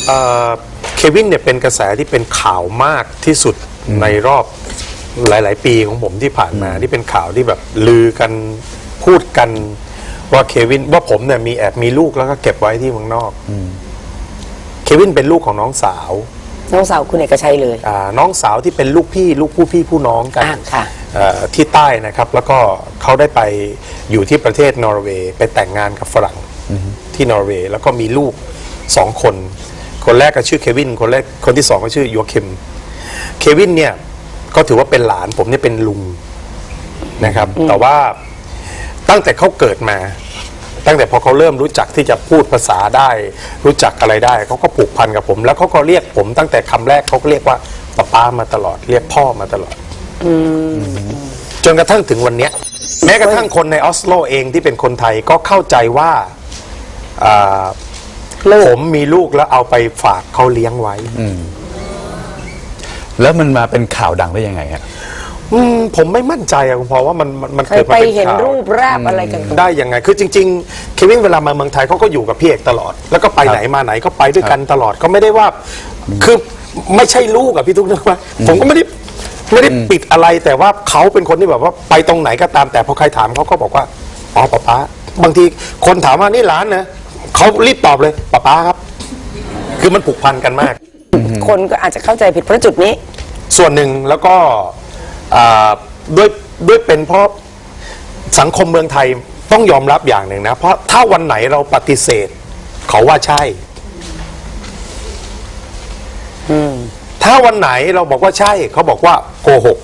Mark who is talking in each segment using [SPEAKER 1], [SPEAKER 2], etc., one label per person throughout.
[SPEAKER 1] เควินเนี่ยเป็นกระแสที่เป็นข่าวมากที่สุดในรอบหลายๆปีของผมที่ผ่านมาที่เป็นข่าวที่แบบลือกันพูดกันว่าเควินว่าผมเนี่ยมีลูกแล้วก็เก็บไว้ที่เมืองนอกเควินเป็นลูกของน้องสาว
[SPEAKER 2] คุณเอกชัยเลย
[SPEAKER 1] น้องสาวที่เป็นลูกผู้พี่ผู้น้องกันที่ใต้นะครับแล้วก็เขาได้ไปอยู่ที่ประเทศนอร์เวย์ไปแต่งงานกับฝรั่งที่นอร์เวย์แล้วก็มีลูก2 คนแรกก็ชื่อเควินคนที่2ก็ชื่อโยคิมเควินเนี่ยก็ถือว่าเป็นหลานผมเนี่ยเป็นลุงนะครับแต่ว่าตั้งแต่เขาเกิดมาตั้งแต่พอเขาเริ่มรู้จักที่จะพูดภาษาได้รู้จักอะไรได้เขาก็ผูกพันกับผมแล้วเขาก็เรียกผมตั้งแต่คำแรกเขาก็เรียกว่าป้ามาตลอดเรียกพ่อมาตลอดจนกระทั่งถึงวันนี้แม้กระทั่งคนในออสโลเองที่เป็นคนไทยก็เข้าใจว่าผมมีลูกแล้วเอาไปฝากเขาเลี้ยงไว้
[SPEAKER 3] แล้วมันมาเป็นข่าวดังได้ยังไงฮะ
[SPEAKER 1] ผมไม่มั่นใจอะคุณพ่อว่ามัน
[SPEAKER 2] เกิดมาเป็นข่าวไปเห็นรูปแรบอะไรกัน
[SPEAKER 1] ได้ยังไงคือจริงๆเควินเวลามาเมืองไทยเขาก็อยู่กับพี่เอกตลอดแล้วก็ไปไหนมาไหนก็ไปด้วยกันตลอดก็ไม่ได้ว่าคือไม่ใช่ลูกอะพี่ทุกท่านว่าผมก็ไม่ได้ปิดอะไรแต่ว่าเขาเป็นคนที่แบบว่าไปตรงไหนก็ตามแต่พอใครถามเขาก็บอกว่าอ๋อป๊าบางทีคนถามว่านี่หลานนะเขารีบตอบเลยป๊าครับคือมันผูกพันกันมาก
[SPEAKER 2] คนก็อาจจะเข้าใจผิดเพราะจุดนี้
[SPEAKER 1] ส่วนหนึ่งแล้วก็ด้วยเป็นเพราะสังคมเมืองไทยต้องยอมรับอย่างหนึ่งนะเพราะถ้าวันไหนเราปฏิเสธเขาว่าใช่ถ้าวันไหนเราบอกว่าใช่เขาบอกว่าโกหก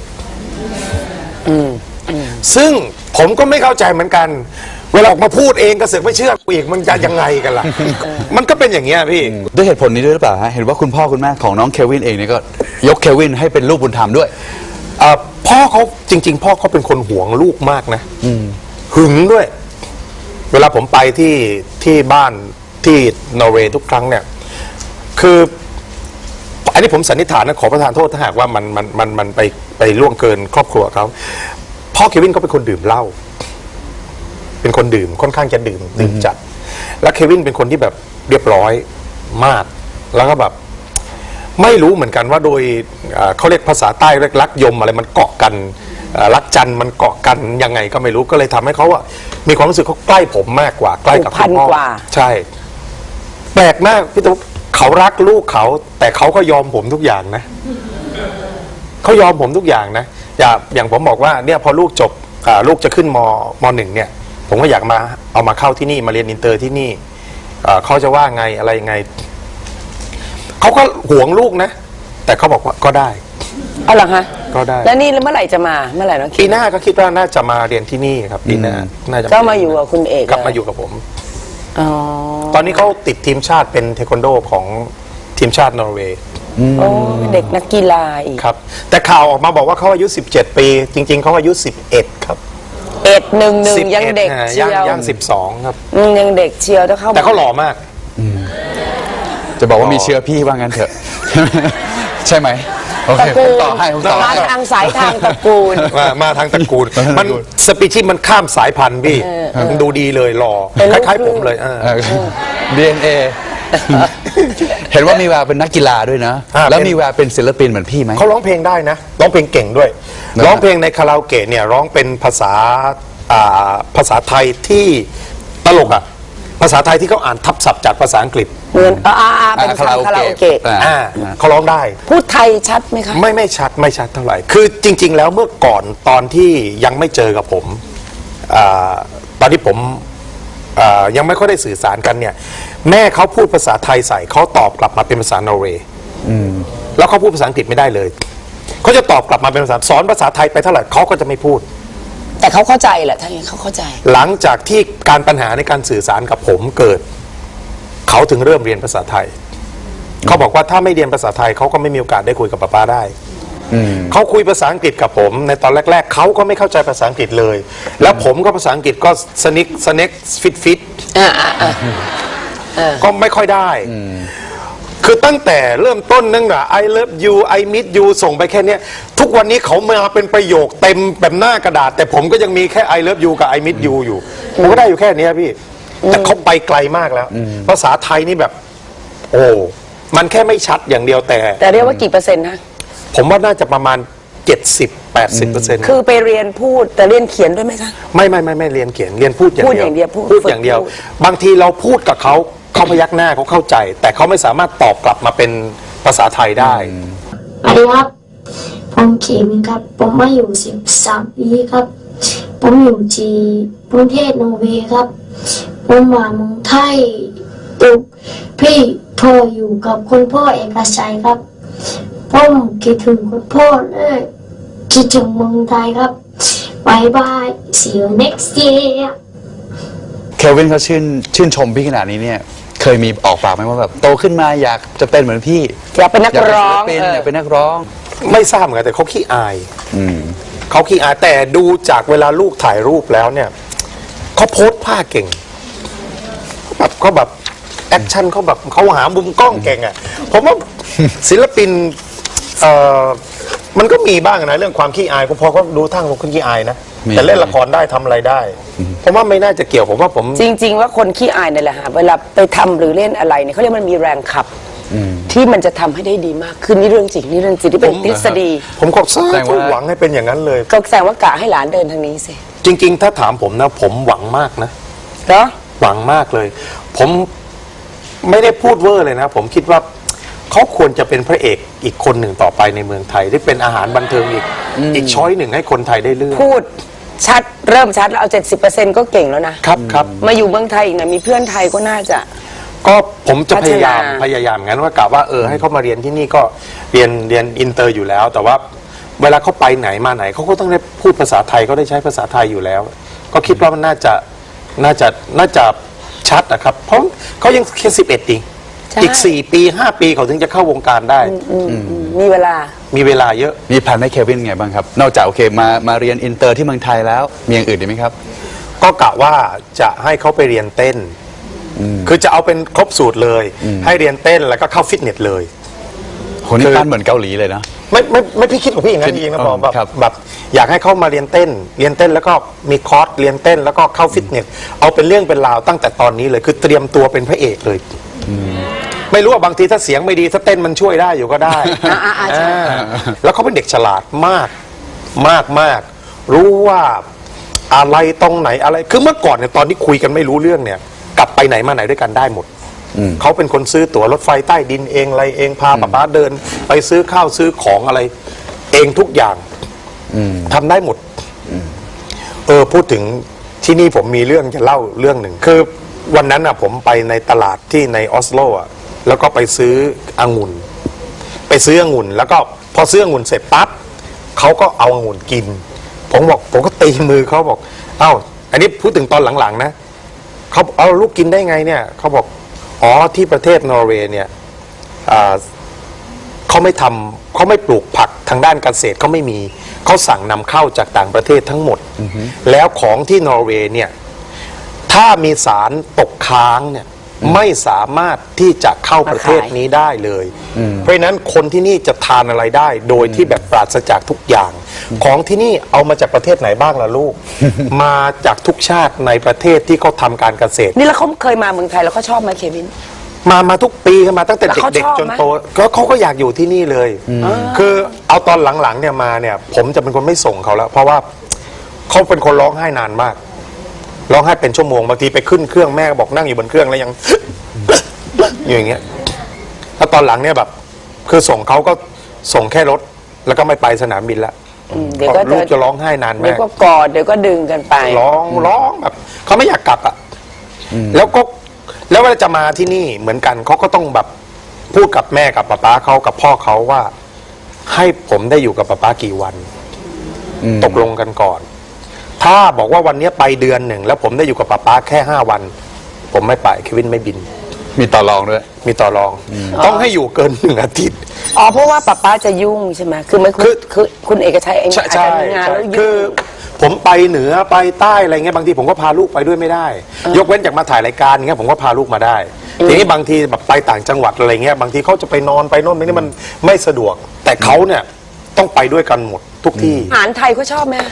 [SPEAKER 1] ซึ่งผมก็ไม่เข้าใจเหมือนกันเวลาออกมาพูดเองก็เสือกไม่เชื่อกูอีกมันจะยังไงกันล่ะมันก็เป็นอย่างเงี้ยพี่
[SPEAKER 3] ด้วยเหตุผลนี้ด้วยหรือเปล่าฮะเห็นว่าคุณพ่อคุณแม่ของน้องเควินเองเนี่ยก็ยกเควินให้เป็นลูกบุญธรรมด้วย
[SPEAKER 1] พ่อเขาจริงๆพ่อเขาเป็นคนหวงลูกมากนะหึงด้วยเวลาผมไปที่บ้านที่นอร์เวย์ทุกครั้งเนี่ยคืออันนี้ผมสันนิษฐานนะขอประทานโทษถ้าหากว่ามันไปล่วงเกินครอบครัวเขาพ่อเควินก็เป็นคนดื่มเหล้าเป็นคนดื่มค่อนข้างจะดื่มจัดแล้วเควินเป็นคนที่แบบเรียบร้อยมากแล้วก็แบบไม่รู้เหมือนกันว่าโดยเขาเรียกภาษาใต้เรียกรักยมอะไรมันเกาะกันรักจันมันเกาะกันยังไงก็ไม่รู้ก็เลยทำให้เขาอะมีความรู้สึกเขาใกล้ผมมากกว่าใกล้กับคุณพ่อใช่แปลกมากพี่ตุ๊กเขารักลูกเขาแต่เขาก็ยอมผมทุกอย่างนะเขายอมผมทุกอย่างนะอย่างผมบอกว่าเนี่ยพอลูกจบลูกจะขึ้นม.1เนี่ยผมก็อยากเอามาเข้าที่นี่มาเรียนอินเตอร์ที่นี่เขาจะว่าไงอะไรยังไงเขาก็หวงลูกนะแต่เขาบอกว่าก็ได้
[SPEAKER 2] เอาหรอฮะ
[SPEAKER 1] ก็ได้
[SPEAKER 2] แล้วนี่เมื่อไหร่จะมาเมื่อไหร่น้อง
[SPEAKER 1] ปีหน้าก็คิดว่าน่าจะมาเรียนที่นี่ครับปีหน้าน่าจะ
[SPEAKER 2] ก็มาอยู่กับคุณเอก
[SPEAKER 1] กลับมาอยู่กับผมตอนนี้เขาติดทีมชาติเป็นเทควันโดของทีมชาตินอร์เวย์
[SPEAKER 2] เด็กนักกีฬาอีก
[SPEAKER 1] ครับแต่ข่าวออกมาบอกว่าเขาอายุ17 ปีจริงๆเขาอายุ11ครับ
[SPEAKER 2] 11ยังเด็กเชียว
[SPEAKER 1] ยัง12ครับ
[SPEAKER 2] ยังเด็กเชียวถ้าเข้า
[SPEAKER 1] แต่เขาหล่อมาก
[SPEAKER 3] จะบอกว่ามีเชื้อพี่ว่างั้นเถอะใช่ไหมโอเคผมต่อให้
[SPEAKER 2] มาทางสายทางตระกูล
[SPEAKER 1] มาทางตระกูลมันสปีชีส์มันข้ามสายพันธุ์พี่มันดูดีเลยหล่อคล้ายๆผมเลย
[SPEAKER 3] DNA เห็นว่ามีแววเป็นนักกีฬาด้วยนะแล้วมีแววเป็นศิลปินเหมือนพี่ไหม
[SPEAKER 1] เขาร้องเพลงได้นะร้องเพลงเก่งด้วยร้องเพลงในคาราโอเกะเนี่ยร้องเป็นภาษาไทยที่ตลกอ่ะภาษาไทยที่เขาอ่านทับศัพท์จากภาษาอังกฤษ
[SPEAKER 2] เหมือนเป็นคาราโอเกะ
[SPEAKER 1] เขาร้องได้
[SPEAKER 2] พูดไทยชัดไหมคะ
[SPEAKER 1] ไม่ชัดเท่าไหร่คือจริงๆแล้วเมื่อก่อนตอนที่ยังไม่เจอกับผมตอนที่ผมยังไม่ค่อยได้สื่อสารกันเนี่ยแม่เขาพูดภาษาไทยใส่เขาตอบกลับมาเป็นภาษานอร์เวย์แล้วเขาพูดภาษาอังกฤษไม่ได้เลยเขาจะตอบกลับมาเป็นภาษาสอนภาษาไทยไปเท่าไหร่เขาก็จะไม่พูด
[SPEAKER 2] แต่เขาเข้าใจแหละถ้าอย่างนี้เขาเข้าใจ
[SPEAKER 1] หลังจากที่การปัญหาในการสื่อสารกับผมเกิดเขาถึงเริ่มเรียนภาษาไทยเขาบอกว่าถ้าไม่เรียนภาษาไทยเขาก็ไม่มีโอกาสได้คุยกับป้าได้เขาคุยภาษาอังกฤษกับผมในตอนแรกๆเขาก็ไม่เข้าใจภาษาอังกฤษเลยแล้วผมก็ภาษาอังกฤษก็สเน็กฟิตก็ไม่ค่อยได้คือตั้งแต่เริ่มต้นนั่งอะ I love you I miss you ส่งไปแค่นี้ทุกวันนี้เขามาเป็นประโยคเต็มแบบหน้ากระดาษแต่ผมก็ยังมีแค่ I love you กับ I miss you อยู่ผมก็ได้อยู่แค่นี้พี่แต่เขาไปไกลมากแล้วภาษาไทยนี่แบบโอ้มันแค่ไม่ชัดอย่างเดียวแต่
[SPEAKER 2] แต่เรียกว่ากี่เปอร์เซ็นต์นะ
[SPEAKER 1] ผมว่าน่าจะประมาณ 70-80%
[SPEAKER 2] คือไปเรียนพูดแต่เรียนเขียนด้วยไหมคะ
[SPEAKER 1] ไม่เรียนเขียนเรียนพูดอย่าง
[SPEAKER 2] พูด
[SPEAKER 1] เดี
[SPEAKER 2] อย่างเดียวพูด
[SPEAKER 1] พูดอย่างเดียว
[SPEAKER 2] พูด
[SPEAKER 1] บางทีเราพูดกับเขาพยักหน้าเขาเข้าใจ แต่เขาไม่สามารถตอบกลับมาเป็นภาษาไทยได้
[SPEAKER 4] สวัสดีครับผมเขมินครับผมมาอยู่13 ปีครับ ผมอยู่ที่ประเทศนอร์เวย์ครับผมมาเมืองไทยตุกพี่พ่ออยู่กับคุณพ่อเอกชัยครับผมคิดถึงคุณพ่อเลยคิดถึงเมืองไทยครับบายบาย see you next year
[SPEAKER 3] เควินเขาชื่นชมพี่ขนาดนี้เนี่ยเคยมีออกปากไหมว่าแบบโตขึ้นมาอยากจะเป็นเหมือนพี่
[SPEAKER 2] อยากเป็นนักร้อง
[SPEAKER 3] อยากเป็นนักร้อง
[SPEAKER 1] ไม่ทราบเหมือนกันแต่เขาขี้อายเขาขี้อายแต่ดูจากเวลาลูกถ่ายรูปแล้วเนี่ยเขาโพสผ้าเก่งเขาแบบแอคชั่นเขาแบบเขาหามุมกล้องเก่งอ่ะผมว่าศิลปินมันก็มีบ้างนะเรื่องความขี้อายพอเขาดูทั้งคนขี้อายนะ
[SPEAKER 3] มี
[SPEAKER 1] แต่เล่นละครได้ทำอะไรได้ผมว่าไม่น่าจะเกี่ยวผมว่าผม
[SPEAKER 2] จริง ๆ ว่าคนขี้อายนี่แหละฮะเวลาไปทำหรือเล่นอะไรเนี่ยเขาเรียกมันมีแรงขับที่มันจะทำให้ได้ดีมากขึ้นนี่เรื่องจริงนี่เรื่องจริงที่เป็นทฤษฎี
[SPEAKER 1] ผมก็สา
[SPEAKER 3] แสดง
[SPEAKER 1] ธุ
[SPEAKER 3] ว่า
[SPEAKER 1] หวังให้เป็นอย่างนั้นเลย
[SPEAKER 2] ก็แสดงว่ากะให้หลานเดินทางนี้สิ
[SPEAKER 1] จริง ๆ ถ้าถามผมนะผมหวังมากนะ
[SPEAKER 2] เนาะ
[SPEAKER 1] หวังมากเลย ผมไม่ได้พูดเวอร์เลยนะ ผมคิดว่าเขาควรจะเป็นพระเอกอีกคนหนึ่งต่อไปในเมืองไทยที่เป็นอาหารบันเทิงอีกช้อยหนึ่งให้คนไทยได้เลือก
[SPEAKER 2] พูดชัดเริ่มชัดแล้วเอา 70%ก็เก่งแล้วนะครับ
[SPEAKER 1] ครับ
[SPEAKER 2] มาอยู่เมืองไทยอีกนะมีเพื่อนไทยก็น่าจะ
[SPEAKER 1] ก็ผมจะพยายาม
[SPEAKER 2] พัฒนา
[SPEAKER 1] พยายามงั้นว่ากะว่าให้เขามาเรียนที่นี่ก็เรียนอินเตอร์อยู่แล้ว แต่ว่าเวลาเขาไปไหนมาไหนเขาก็ต้องได้พูดภาษาไทยเขาได้ใช้ภาษาไทยอยู่แล้ว ก็คิดว่ามันน่าจะชัดนะครับ เพราะเขายังแค่11เอง
[SPEAKER 2] ใช่
[SPEAKER 1] อีก4 ปี 5 ปีเขาถึงจะเข้าวงการได้
[SPEAKER 2] มีเวลา
[SPEAKER 1] มีเวลาเยอะ
[SPEAKER 3] มีแผนให้เควินไงบ้างครับ นอกจากโอเคมาเรียนอินเตอร์ที่เมืองไทยแล้วมีอย่างอื่นอีกไหมครับ
[SPEAKER 1] ก็กะว่าจะให้เขาไปเรียนเต้น คือจะเอาเป็นครบสูตรเลย ให้เรียนเต้นแล้วก็เข้าฟิตเนสเลย
[SPEAKER 3] โหนี่ปั้นเหมือนเกาหลีเลยนะ
[SPEAKER 1] ไม่พี่คิดของพี่อย่างนั้นจริงๆนะบอก
[SPEAKER 3] ครับ
[SPEAKER 1] แบบอยากให้เขามาเรียนเต้นแล้วก็มีคอร์สเรียนเต้นแล้วก็เข้าฟิตเนสเอาเป็นเรื่องเป็นราวตั้งแต่ตอนนี้เลยคือเตรียมตัวเป็นพระเอกเลยไม่รู้ว่าบางทีถ้าเสียงไม่ดีถ้าเต้นมันช่วยได้อยู่ก็ได้
[SPEAKER 2] ใช่
[SPEAKER 1] แล้วเขาเป็นเด็กฉลาดมากมากรู้ว่าอะไรตรงไหนอะไรคือเมื่อก่อนเนี่ยตอนที่คุยกันไม่รู้เรื่องเนี่ยกลับไปไหนมาไหนด้วยกันได้หมดเขาเป็นคนซื้อตั๋วรถไฟใต้ดินเองอะไรเองพาป๊าเดิน ไปซื้อข้าวซื้อของอะไร เองทุกอย่างทำได้หมดพูดถึงที่นี่ผมมีเรื่องจะเล่าเรื่องหนึ่งคือวันนั้นผมไปในตลาดที่ในออสโลแล้วก็ไปซื้อองุ่นแล้วก็พอซื้อองุ่นเสร็จปั๊บเขาก็เอาองุ่นกินผมก็ตีมือเขาบอกเอ้าอันนี้พูดถึงตอนหลังๆนะเขาเอาลูกกินได้ไงเนี่ยเขาบอกอ๋อที่ประเทศนอร์เวย์เนี่ยเขาไม่ปลูกผักทางด้านเกษตรเขาไม่มีเขาสั่งนำเข้าจากต่างประเทศทั้งหมดแล้วของที่นอร์เวย์เนี่ยถ้ามีสารตกค้างเนี่ยไม่สามารถที่จะเข้าประเทศนี้ได้เลยเพราะฉะนั้นคนที่นี่จะทานอะไรได้โดยที่แบบปราศจากทุกอย่างของที่นี่เอามาจากประเทศไหนบ้างล่ะลูก มาจากทุกชาติในประเทศที่เขาทำการเกษตร
[SPEAKER 2] นี่แล้วเขาเคยมาเมืองไทยแล้วเขาชอบไหมเควิน
[SPEAKER 1] มาทุกปีมาตั้งแต่
[SPEAKER 2] แล้วเขา
[SPEAKER 1] เด็ก
[SPEAKER 2] ชอบ
[SPEAKER 1] ๆจน
[SPEAKER 2] ไหม
[SPEAKER 1] โตเขาก็อยากอยู่ที่นี่เลยคือเอาตอนหลังๆเนี่ยมาเนี่ยผมจะเป็นคนไม่ส่งเขาแล้ว เพราะว่าเขาเป็นคนร้องไห้นานมากร้องไห้เป็นชั่วโมงบางทีไปขึ้นเครื่องแม่ก็บอกนั่งอยู่บนเครื่องแล้วยัง อยู่อย่างเงี้ยแล้วตอนหลังเนี่ยแบบคือส่งเขาก็ส่งแค่รถแล้วก็ไม่ไปสนามบินละ
[SPEAKER 2] เดี๋ยวก็
[SPEAKER 1] ลูกจะร้องไห้นาน
[SPEAKER 2] เดี๋ย
[SPEAKER 1] มาว ก
[SPEAKER 2] ก็กอดเดี๋ยวก็ดึงกันไป
[SPEAKER 1] ร้องแบบเขาไม่อยากกลับอ่ะแล้วเวลาจะมาที่นี่เหมือนกันเขาก็ต้องแบบพูดกับแม่กับป๊าเขากับพ่อเขาว่า ให้ผมได้อยู่กับป๊ากี่วันตกลงกันก่อน ถ้าบอกว่าวันนี้ไปเดือนหนึ่งแล้วผมได้อยู่กับป๊าแค่5 วัน ผมไม่ไปเควินไม่บิน
[SPEAKER 3] มีต่อรองด้วย
[SPEAKER 1] มีต่อรอง ต้องให้อยู่เกิน1 อาทิตย์
[SPEAKER 2] อ๋อเพราะว่าป๊าจะยุ่งใช่ไหมคือไม่คือคุณเอกชัยเองอาจจะมีงานแล้วยุ่ง
[SPEAKER 1] คือผมไปเหนือไปใต้อะไรเงี้ยบางทีผมก็พาลูกไปด้วยไม่ได้ ยกเว้นจากมาถ่ายรายการเงี้ยผมก็พาลูกมาได้ทีนี้บางทีแบบไปต่างจังหวัดอะไรเงี้ยบางทีเขาจะไปนอนไปโน่นไปนี่มันไม่สะดวก แต่เขาเนี่ยต้องไปด้วยกันหมดทุกที่
[SPEAKER 2] อาหารไทยเขาชอบไหม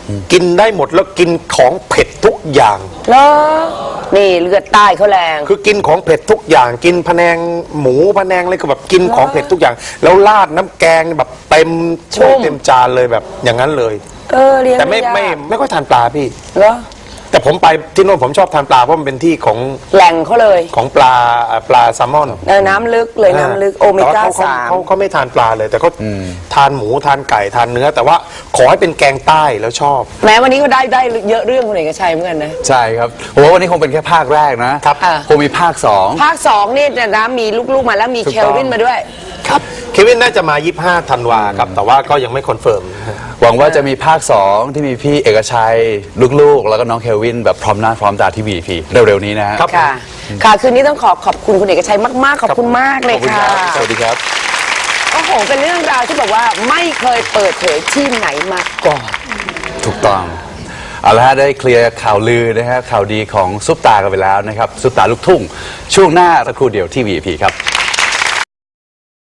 [SPEAKER 1] กินได้หมดแล้วกินของเผ็ดทุกอย่าง
[SPEAKER 2] เหรอนี่เลือดใต้เขาแรง
[SPEAKER 1] คือกินของเผ็ดทุกอย่าง กินพะแนงหมูพะแนงอะไรก็แบบกินของเผ็ดทุกอย่าง แล้วราดน้ำแกงแบบเต็มถ้วยเต็มจานเลยแบบอย่างนั้นเลย
[SPEAKER 2] เลี้ยง
[SPEAKER 1] แต่ไม่
[SPEAKER 2] ยาก
[SPEAKER 1] ไม่ค่อยทานปลาพี่
[SPEAKER 2] เหรอ
[SPEAKER 1] แต่ผมไปที่โน่นผมชอบทานปลาเพราะมันเป็นที่ของ
[SPEAKER 2] แหล่งเขาเลย
[SPEAKER 1] ของปลาแซลมอน
[SPEAKER 2] น้ำลึกเลยน้ำลึกโอเมก้า
[SPEAKER 1] แต่ว่
[SPEAKER 2] สาม
[SPEAKER 1] เขาไม่ทานปลาเลยแต่เขาทานหมูทานไก่ทานเนื้อ แต่ว่าขอให้เป็นแกงใต้แล้วชอบ
[SPEAKER 2] แม้วันนี้ก็ได้เยอะเรื่องคุณเอกชัยเหมือนกันนะ
[SPEAKER 3] ใช่ครับผมว่าวันนี้คงเป็นแค่ภาคแรกนะครับ คงมีภาคสอง
[SPEAKER 2] ภาค2นี่นะมีลูกๆมาแล้วมี
[SPEAKER 3] ถูก
[SPEAKER 2] เค
[SPEAKER 3] ต้อง
[SPEAKER 2] ลวินมาด้วย
[SPEAKER 1] ครับเควินน่าจะมา 25 ธันวาครับ แต่ว่าก็ยังไม่คอนเฟิร์ม
[SPEAKER 3] หวังว่าจะมีภาค 2 ที่มีพี่เอกชัยลูกๆ แล้วก็น้องเคลวินแบบพร้อมหน้าพร้อมตาที่ VIP เร็วๆนี้นะฮะ
[SPEAKER 1] ครับ
[SPEAKER 2] ค่ะ ค่ะ คืนนี้ต้องขอบคุณคุณเอกชัยมากๆ ขอบคุณมากเลย
[SPEAKER 3] ขอบคุณ
[SPEAKER 2] ค่ะ
[SPEAKER 3] ครับสวัสดีครับ
[SPEAKER 2] โอ้โห เป็นเรื่องราวที่แบบว่าไม่เคยเปิดเผยที่ไหนมาก่อน
[SPEAKER 3] ถูกต้องเอาละฮะได้เคลียร์ข่าวลือนะฮะข่าวดีของซุปตากันไปแล้วนะครับซุปตาลูกทุ่งช่วงหน้าสักครู่เดียวที่ VIP ครับ